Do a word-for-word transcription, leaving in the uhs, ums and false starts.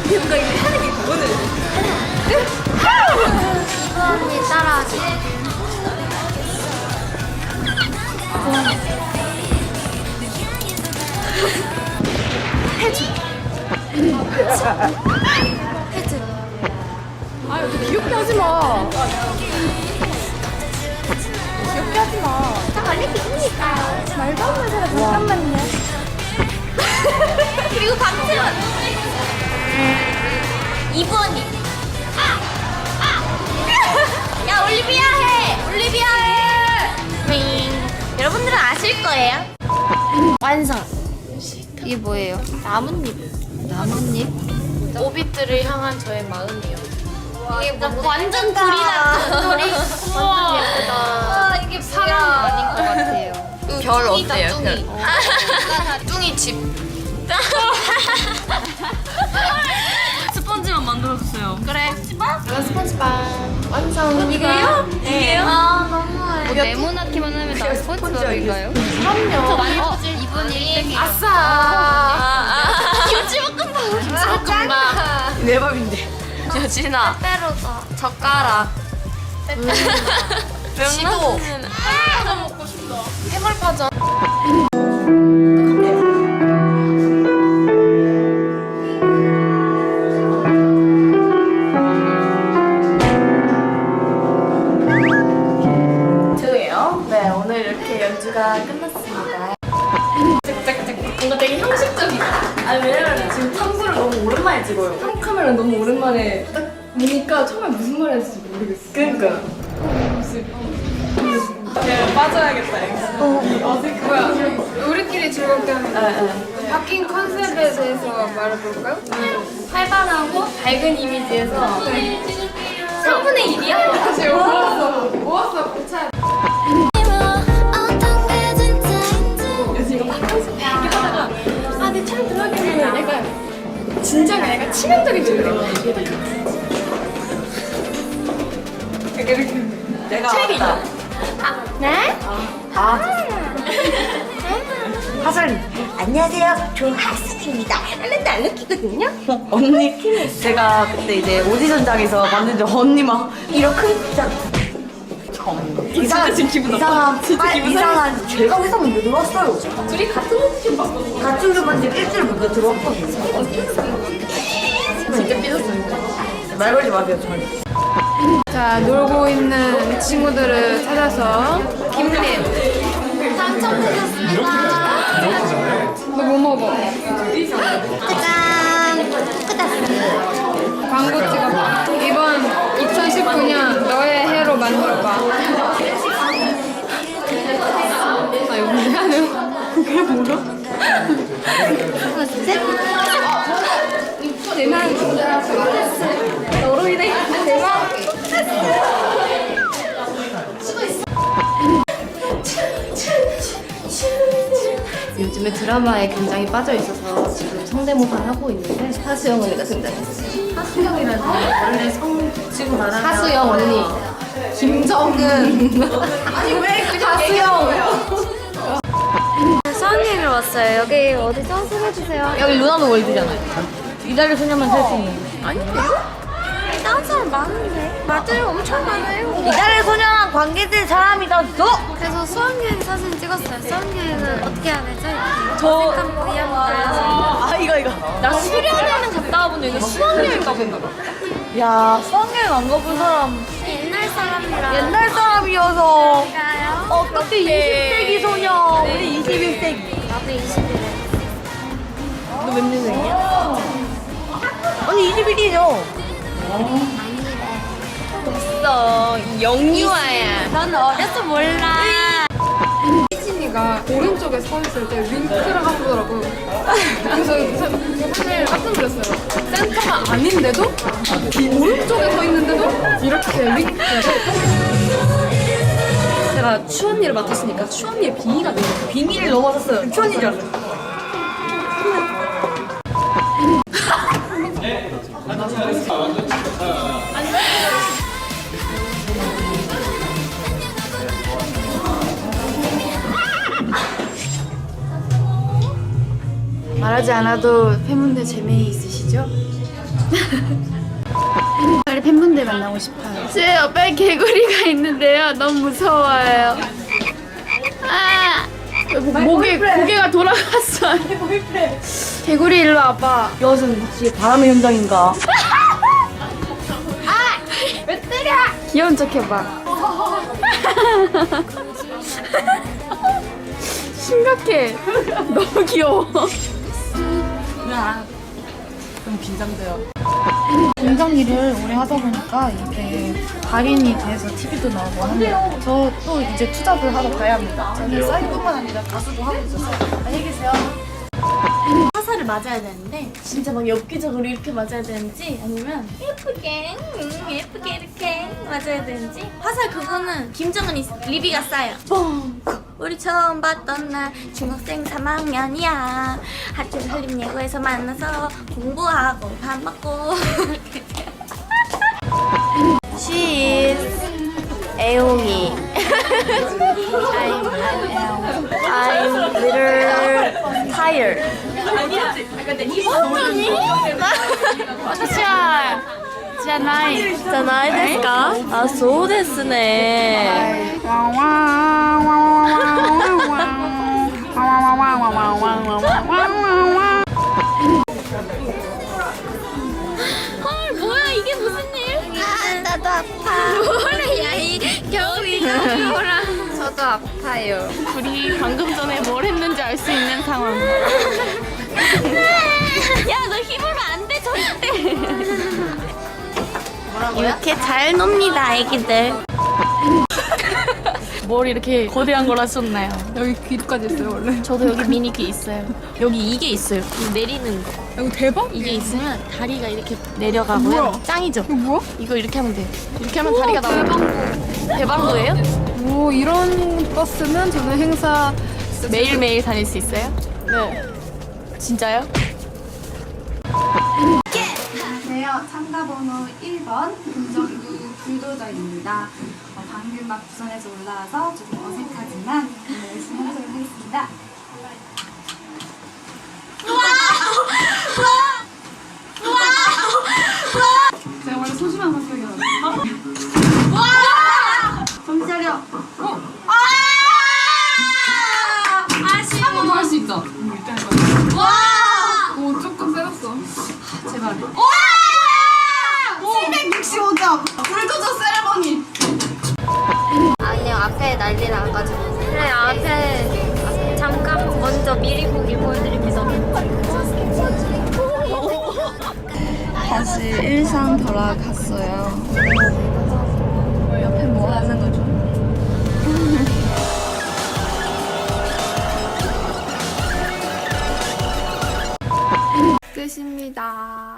뭔가 이렇게 하는 게 그거는. 언니 따라하지. 해줘. 해줘. 아, 이렇게 귀엽게 하지 마. 귀엽게 하지 마. 저 원래 기분이니까요. 말도 안 되는 소리 잠깐만요. 그리고 박지원. 이부언니. 아! 아! 야, 올리비아 해! 올리비아 해! 윙. 여러분들은 아실 거예요. 완성. 이게 뭐예요? 나뭇잎. 나뭇잎? 오빛들을 향한 저의 마음이요. 이게 뭐 완전 둘이 같은 소리. 완전 예쁘다. 아, 이게 사람 아닌 것 같아요. 별 뚱이다, 어때요? 뚱이. 별. 뚱이 집. 스펀지만 만들어주세요. 그래. 내가 스펀지밥 완성. 이게요? 이게요? 아, 너무해. 네모나기만 하면 나 스펀지밥인가요? 그럼요. 저 많이 어, 이분이 땡이에요. 아싸. 김치볶음밥. 김치볶음밥. 내 밥인데. 여진아. 빼로다. 젓가락. 지도. 해물파전. 저예요. 네, 오늘 이렇게 연주가 끝났습니다. 짝짝짝. 뭔가 되게 형식적이다. 아니, 왜냐면 지금 탐구를 너무 오랜만에 찍어요. 탐 카메라 너무 오랜만에 딱 보니까 처음에 무슨 말 했을지 모르겠어. 그니까. 네, 빠져야겠다. 어, 어색해. 뭐야? 우리끼리 즐겁게 하는 거. 네, 바뀐 컨셉에 대해서 말해볼까요? 활발하고 밝은 이미지에서 삼분의 일이야? 다시 모았어. 모았어. 고쳐. 그래서 이거 막 이렇게 하다가 아, 내 촬영 들어가겠네. 약간 진짜가 약간 치명적인 질문이 이게 돼. 이렇게 내가 책이 있다. 네? 하설님 안녕하세요. 저 하슬입니다. 하나도 안 웃기거든요. 언니 제가 그때 이제 오디션장에서 봤는데 언니 막 이렇게 진짜 이상한 지금 기분 이상한 빨- 이상한 제가 회사 문제 들어왔어요. 둘이 같은 오디션 봤거든요. 같은 주반 지금 일주일 먼저 들어왔거든요. 진짜 삐졌어요. 말 걸지 마세요 저희. 자, 놀고 있는 친구들을 찾아서 김님. 당첨되셨습니다. 너 뭐 먹어? 짜잔. 끝났습니다. 광고 찍어봐. 이번 이천십구 년 너의 해로 만들어봐. 아, 이거 뭐야? 그게 뭐야? 하나, 둘, 셋. 대만. 너로 인해 대박. 요즘에 드라마에 굉장히 빠져 있어서 지금 성대모사 하고 있는데 하수영 언니가 등장했어요. 하수영이라는 원래 성 지금 말하는 하수영 언니, 김정은. 아니 왜 하수영? 수학여행을 왔어요. 여기 어디죠? 소개해주세요. 여기 루나노 월드잖아요. 이달의 소녀만 살 수 있는. 다른 사람 많은데? 맞아요. 엄청 많아요. 이달의 소녀랑 관계된 사람이 다 너. 그래서 수학여행 사진 찍었어요. 수학여행은 어떻게 해야 되죠? 이렇게 저- 어색한 머리 한번 날려서. 아 이거 이거. 나 수련회는 갔다 와본 적이 수학여행 가본 거. 야 수학여행 안 가본 사람 옛날 사람이랑. 옛날 사람이어서 가요? 어떻게 이십 세기 소녀 우리 이십일 세기. 나도 이십일에. 너 몇 년생이야? 언니 이십일이죠? 있어 영유아야. 넌 어려서 몰라. 혜진이가 오른쪽에 서 있을 때 윙크를 하더라고요. 그래서 사실 깜짝 놀랐어요. 센터가 아닌데도 오른쪽에 서 있는데도 이렇게 윙크를. 제가 추 언니를 맡았으니까 추 언니의 빙의가 돼요. 빙의를 넘어섰어요. 추언니인 줄 알았어요. 말하지 않아도 팬분들 재미 있으시죠? 빨리 팬분들 만나고 싶어요. 제 옆에 개구리가 있는데요. 너무 무서워요. 아, 목에 고개가 돌아갔어요. 개구리 일로 와봐. 이것은 혹시 바람의 현장인가? 왜 때려? 귀여운 척 해봐. 심각해. 너무 귀여워. 좀 긴장돼요. 공장 일을 오래 하다 보니까 이게 달인이 돼서 티비도 나오고 하네요. 저 또 이제 투잡을 하러 가야 합니다. 저는 사이뿐만 아니라 가수도 하고 있어서 안녕히 계세요. 화살을 맞아야 되는데 진짜 막 엽기적으로 이렇게 맞아야 되는지 아니면 예쁘게 음, 예쁘게 이렇게 맞아야 되는지 화살 그거는 김정은이 리비가 싸요. 뻥! 우리 처음 봤던 날 중학생 삼 학년이야. 하트를 한림예고에서 만나서 공부하고 밥 먹고 She is 애용이. I'm little tired. 私はじゃない。 じゃないですか？あ、そうですね。 헐 뭐야 이게 무슨 일? 아 나도 아파. 뭐래 야이 겨울이 겨울아. 저도 아파요. 우리 방금 전에 뭘 했는지 알 수 있는 상황. 야 너 힘으로 안 돼 절대. 이렇게 잘 놉니다, 애기들. 뭘 이렇게 거대한 걸 하셨나요? 여기 귀까지 있어요 원래. 저도 여기 미니 귀 있어요. 여기 이게 있어요. 내리는 거. 이거 대박? 이게 있으면 다리가 이렇게 내려가고요. 뭐야? 짱이죠? 이거 뭐야? 이거 이렇게 하면 돼요. 이렇게 하면 다리가 나와요. 대방구예요? 오 이런 버스는 저는 행사 매일매일 다닐 수 있어요? 네. 진짜요? 안녕하세요. 참가번호 일 번 김정구 불도저입니다. 어, 방금 막 부산에서 올라와서 조금 어색하지만 오늘 열심히 하도록 하겠습니다. 제가 원래 소심한 성격이거든요. 정신 차려. 어? 한 번 더 할 수 있죠? 와! 오 조금 세졌어. 제발. 칠백육십오 점 불도저 세레머니. 아니요, 앞에 난리 나가지고. 그래, 앞에 잠깐 먼저 미리 보기 보여드립니다. 다시 일상 돌아갔어요. 옆에 뭐 하는 거죠? 끝입니다.